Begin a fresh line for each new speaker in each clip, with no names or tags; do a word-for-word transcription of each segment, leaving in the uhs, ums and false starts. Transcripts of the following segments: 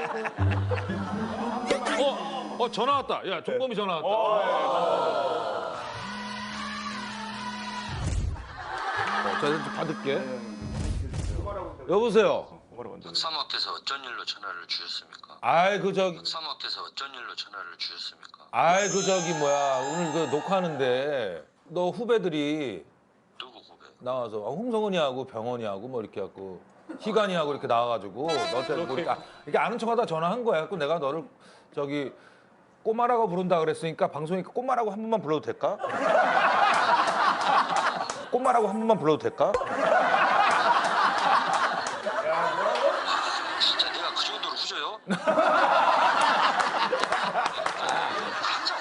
어, 어 전화 왔다. 야, 종범이 전화 왔다. 어, 자, 이제 좀 받을게. 여보세요.
박사모께서 어쩐 일로 전화를 주셨습니까?
아이 그 저기,
박사모께서 어쩐 일로 전화를 주셨습니까?
아이 그 저기 뭐야 오늘 그 녹화하는데 너 후배들이
누구 후배?
나와서 아, 홍성은이하고 병원이하고 뭐 이렇게 하고 희간이하고 이렇게 나와가지고 너한테 보니까 이렇게 아는 척하다 전화한 거야. 그 내가 너를 저기 꼬마라고 부른다 그랬으니까 방송이니까 꼬마라고 한 번만 불러도 될까? 꼬마라고 한 번만 불러도 될까?
진짜 내가 그 정도로 후져요? 한장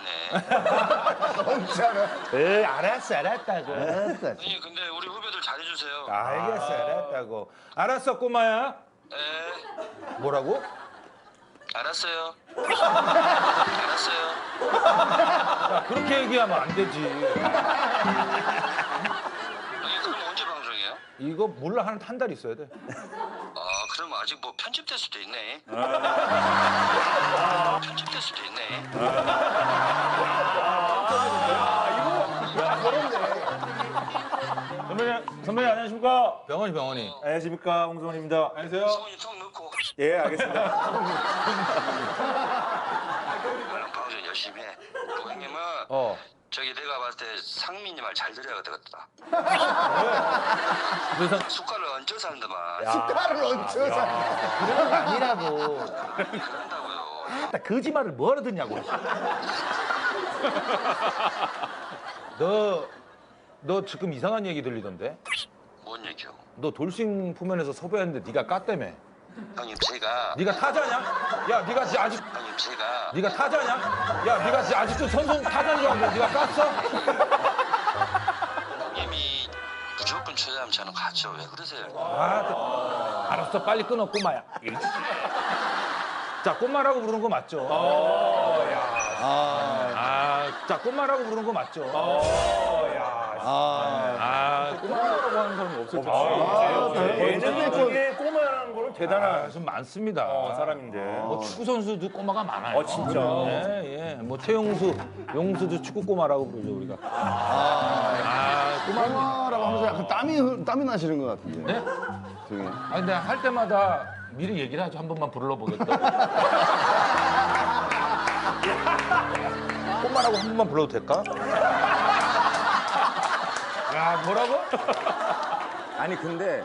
못 자는 애.
에이 알았어 알았다고.
알았어.
아니 근데 우리 후배들 잘해주세요.
알겠어 알았다고. 알았어 꼬마야.
에
뭐라고?
알았어요. 알았어요.
야, 그렇게 얘기하면 안 되지.
아니 그럼 언제 방송해요?
이거 몰라 한 한 달 있어야 돼.
아 그럼 아직 뭐 편집될 수도 있네. 편집될 수도 있네.
선배님, 선배님 안녕하십니까?
병원이 병원이.
안녕하십니까? 홍성원입니다. 안녕하세요.
성훈이 턱 넣고.
예, 알겠습니다.
나는 방송 열심히 해. 고객님은
어.
저기 내가 봤을 때 상민이 말 잘 들어야 되겠다.
그래서
숟갈을 얹어서 한다만.
숟가락을 얹혀서.
그런 거 아니라고.
그런다고요.
거짓말을 뭐하러 듣냐고. 너, 너 지금 이상한 얘기 들리던데?
뭔 얘기요?
너 돌싱 포면에서 섭외했는데 네가 깠다며.
형님 제가
네가 타자냐? 야, 네가 지- 아직
형님 제가
네가 타자냐? 야, 네가 지- 아직도 선수 타자인 줄 알고 네가 깠어?
형님이 무조건 초대하면 저는 가죠. 왜 그러세요?
아, 그- 알았어, 빨리 끊어, 꼬마야. 자, 꼬마라고 부르는 거 맞죠?
아,
아, 자, 꼬마라고 부르는 거 맞죠?
아.
아, 꼬마라고 하는 사람은 없을 텐데.
예능에 중에 꼬마라는 거는 대단한
아, 좀 많습니다.
사람인데.
뭐 축구 선수도 꼬마가 많아요.
어, 진짜?
예, 예. 뭐 최용수, 용수도 축구 꼬마라고 부르죠 우리가. 아, 꼬마.
꼬마라고 하면서 약간 땀이, 흘- 땀이 나시는 것 같은데.
네?
저기.
아, 근데 할 때마다 미리 얘기를 하죠. 한 번만 불러보겠다. 꼬마라고 한 번만 불러도 될까? 야, 뭐라고?
아니 근데